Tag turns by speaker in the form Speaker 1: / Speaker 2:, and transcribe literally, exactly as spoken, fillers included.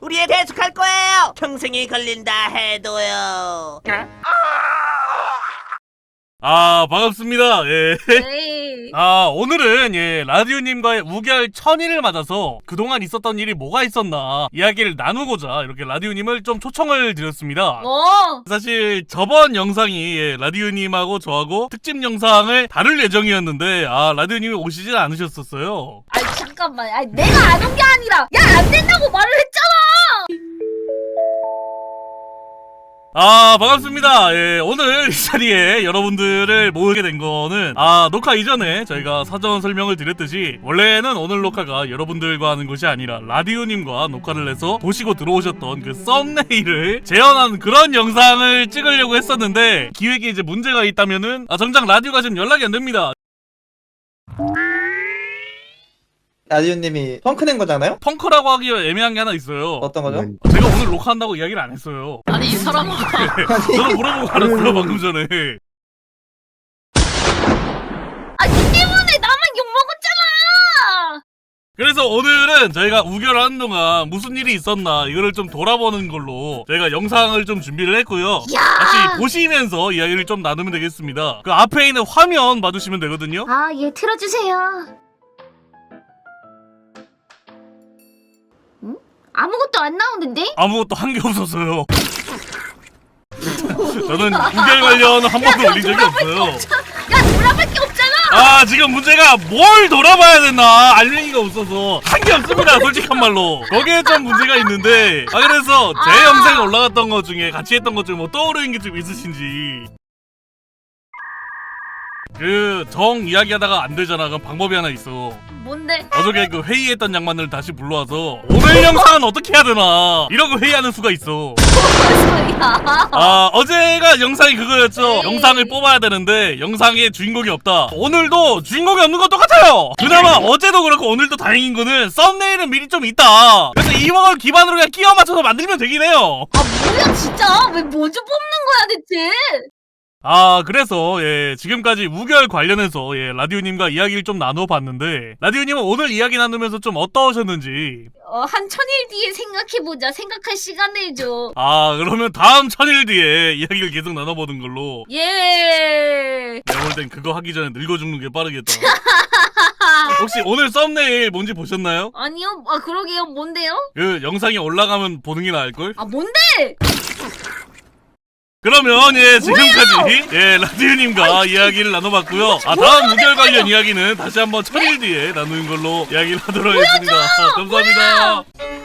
Speaker 1: 우리에 대숙할 거예요. 평생이 걸린다 해도요.
Speaker 2: 아, 반갑습니다. 예.
Speaker 3: 에이.
Speaker 2: 아, 오늘은 예, 라디오님과의 우결 천일을 맞아서 그동안 있었던 일이 뭐가 있었나 이야기를 나누고자 이렇게 라디오님을 좀 초청을 드렸습니다.
Speaker 3: 어.
Speaker 2: 사실 저번 영상이 예, 라디오님하고 저하고 특집 영상을 다룰 예정이었는데 아, 라디오님이 오시진 않으셨었어요.
Speaker 3: 아니 잠깐만. 아니 내가 안 온 게 아니라 야 안 된다고 말을 했잖아.
Speaker 2: 아, 반갑습니다. 예, 오늘 이 자리에 여러분들을 모으게 된 거는 아, 녹화 이전에 저희가 사전 설명을 드렸듯이 원래는 오늘 녹화가 여러분들과 하는 것이 아니라 라디오님과 녹화를 해서 보시고 들어오셨던 그 썸네일을 재현한 그런 영상을 찍으려고 했었는데 기획에 이제 문제가 있다면은 아, 정작 라디오가 지금 연락이 안 됩니다.
Speaker 4: 라디오님이 펑크 낸 거잖아요?
Speaker 2: 펑크라고 하기가 애매한 게 하나 있어요.
Speaker 4: 어떤 거죠?
Speaker 2: 제가 오늘 녹화한다고 이야기를 안 했어요.
Speaker 3: 아니 이 사람아.
Speaker 2: 저는 물어보고 알았어요, 방금 전에.
Speaker 3: 아니 때문에 나만 욕 먹었잖아.
Speaker 2: 그래서 오늘은 저희가 우결하는 동안 무슨 일이 있었나 이거를 좀 돌아보는 걸로 저희가 영상을 좀 준비를 했고요.
Speaker 3: 야.
Speaker 2: 같이 보시면서 이야기를 좀 나누면 되겠습니다. 그 앞에 있는 화면 봐주시면 되거든요.
Speaker 3: 아, 예, 틀어주세요. 응? 아무것도 안 나오는데?
Speaker 2: 아무것도 한 게 없었어요. 저는 우결 관련 한 번도 올린 적이 없어요.
Speaker 3: 야, 돌아볼 게 없잖아.
Speaker 2: 아, 지금 문제가 뭘 돌아봐야 되나 알맹이가 없어서 한 게 없습니다, 솔직한 말로. 거기에 좀 문제가 있는데 아, 그래서 제
Speaker 3: 아.
Speaker 2: 영상에 올라갔던 것 중에 같이 했던 것 중에 뭐 떠오르는 게 좀 있으신지. 그 정 이야기하다가 안 되잖아. 그럼 방법이 하나 있어.
Speaker 3: 뭔데?
Speaker 2: 어저께 그 회의했던 양반을 다시 불러와서 오늘 영상은 어떻게 해야 되나 이러고 회의하는 수가 있어.
Speaker 3: 무슨 소리야?
Speaker 2: 아, 어제가 영상이 그거였죠.
Speaker 3: 에이.
Speaker 2: 영상을 뽑아야 되는데 영상에 주인공이 없다. 오늘도 주인공이 없는 것 똑같아요. 그나마 어제도 그렇고 오늘도 다행인 거는 썸네일은 미리 좀 있다. 그래서 이걸 기반으로 그냥 끼워 맞춰서 만들면 되긴 해요.
Speaker 3: 아 뭐야 진짜? 왜 뭐좀 뽑는 거야 대체?
Speaker 2: 아, 그래서 예, 지금까지 우결 관련해서 예, 라디오님과 이야기를 좀 나눠봤는데 라디오님은 오늘 이야기 나누면서 좀 어떠셨는지.
Speaker 3: 어, 한 천일 뒤에 생각해보자. 생각할 시간을 줘.
Speaker 2: 아, 그러면 다음 천일 뒤에 이야기를 계속 나눠보는 걸로.
Speaker 3: 예.
Speaker 2: 내가 볼 땐 그거 하기 전에 늙어 죽는 게 빠르겠다. 혹시 오늘 썸네일 뭔지 보셨나요?
Speaker 3: 아니요. 아 그러게요. 뭔데요?
Speaker 2: 그 영상이 올라가면 보는 게 나을걸?
Speaker 3: 아 뭔데?
Speaker 2: 그러면 예, 지금까지 예, 라디오님과 이야기를 나눠봤고요. 아, 다음 우결 관련 이야기는 다시 한번 천일 뒤에 나누는 걸로 이야기를 하도록 하겠습니다. 감사합니다.